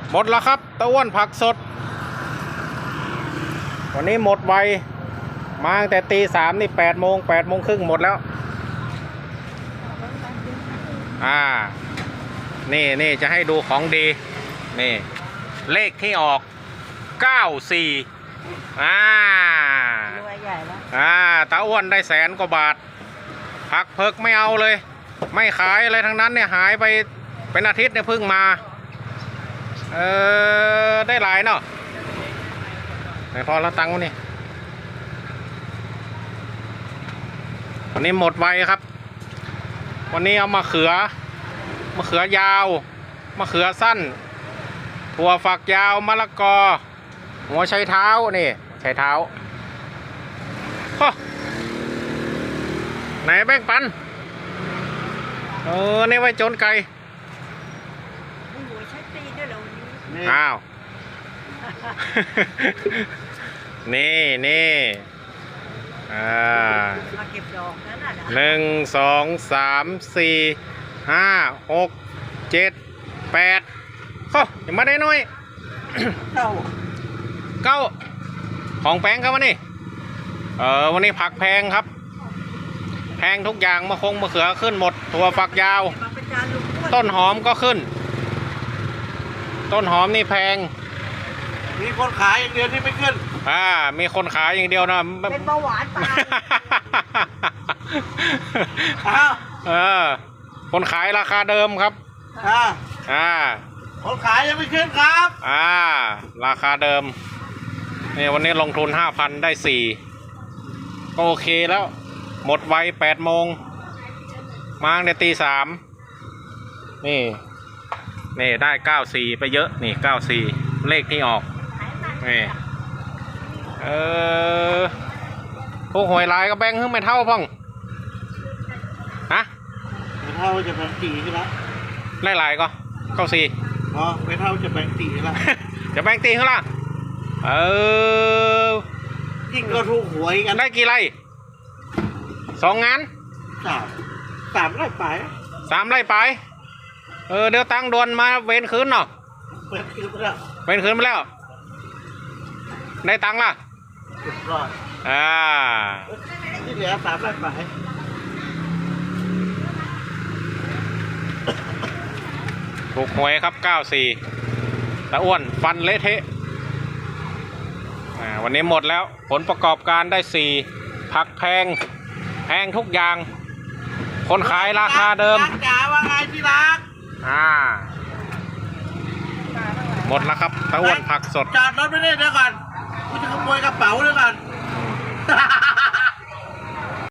หมดแล้วครับตะอ้วนผักสดวันนี้หมดไวมาตั้งแต่ตี 3นี่8 โมงครึ่งหมดแล้วนี่จะให้ดูของดีนี่เลขที่ออก94รวยใหญ่แล้วตาอ้วนได้100,000 กว่าบาทผักเพิกไม่เอาเลยไม่ขายอะไรทั้งนั้นเนี่ยหายไปเป็นอาทิตย์เนี่ยเพิ่งมาได้หลายเนาะไหนพอแล้วตังค์วะนี่วันนี้หมดไวครับวันนี้เอามะเขือยาวมะเขือสั้นถั่วฝักยาวมะละกอหัวไชเท้านี่ไชเท้าไหนแบ่งปันนี่ไว้โจนไก่อ้าว นี่มาเก็บดอกนั่นน่ะ 1 2 3 4 5 6 7 8ยังมาได้น้อยเก้าของแพงครับวันนี้วันนี้ผักแพงครับแพงทุกอย่างมะเขือขึ้นหมดถั่วฝักยาวต้นหอมก็ขึ้นต้นหอมนี่แพงมีคนขายอย่างเดียวที่ไม่ขึ้นมีคนขายอย่างเดียวนะเป็นเบาหวานตายคนขายราคาเดิมครับคนขายยังไม่ขึ้นครับราคาเดิมนี่วันนี้ลงทุน 5,000 ได้4ก็โอเคแล้วหมดไว8 โมงมาในตี 3นี่ได้94ไปเยอะนี่94เลขที่ออกนี่พวกหวยลายก็แบ่งขึ้นไม่เท่าพ่องไม่เท่าจะแบ่งตีขึ้นแล้วไล่ลายก็94 ไม่เท่าจะแบ่งตีขึ้นแล้วจะแบ่งตีขึ้นละยิ่งก็ถูกหวยกันได้กี่ไร่2 งาน 3 ไร่ไป 3 ไร่ไปเดี๋ยวตั้งดวนมาเว้นคืนเนาะเว้นคืนไปแล้วได้ตังค์ล่ะที่เหลือ3 ไร่ไปถูกหวยครับ94ตะอ้วนฟันเละเทะวันนี้หมดแล้วผลประกอบการได้4ผักแพงทุกอย่างคนขายราคาเดิมจ๋าว่าไงที่รักหมดแล้วครับตะอ้วนผักสดจอดรถไม่ได้เดี๋ยวก่อนกูจะขโมยกระเป๋าเดี๋ยวก่อน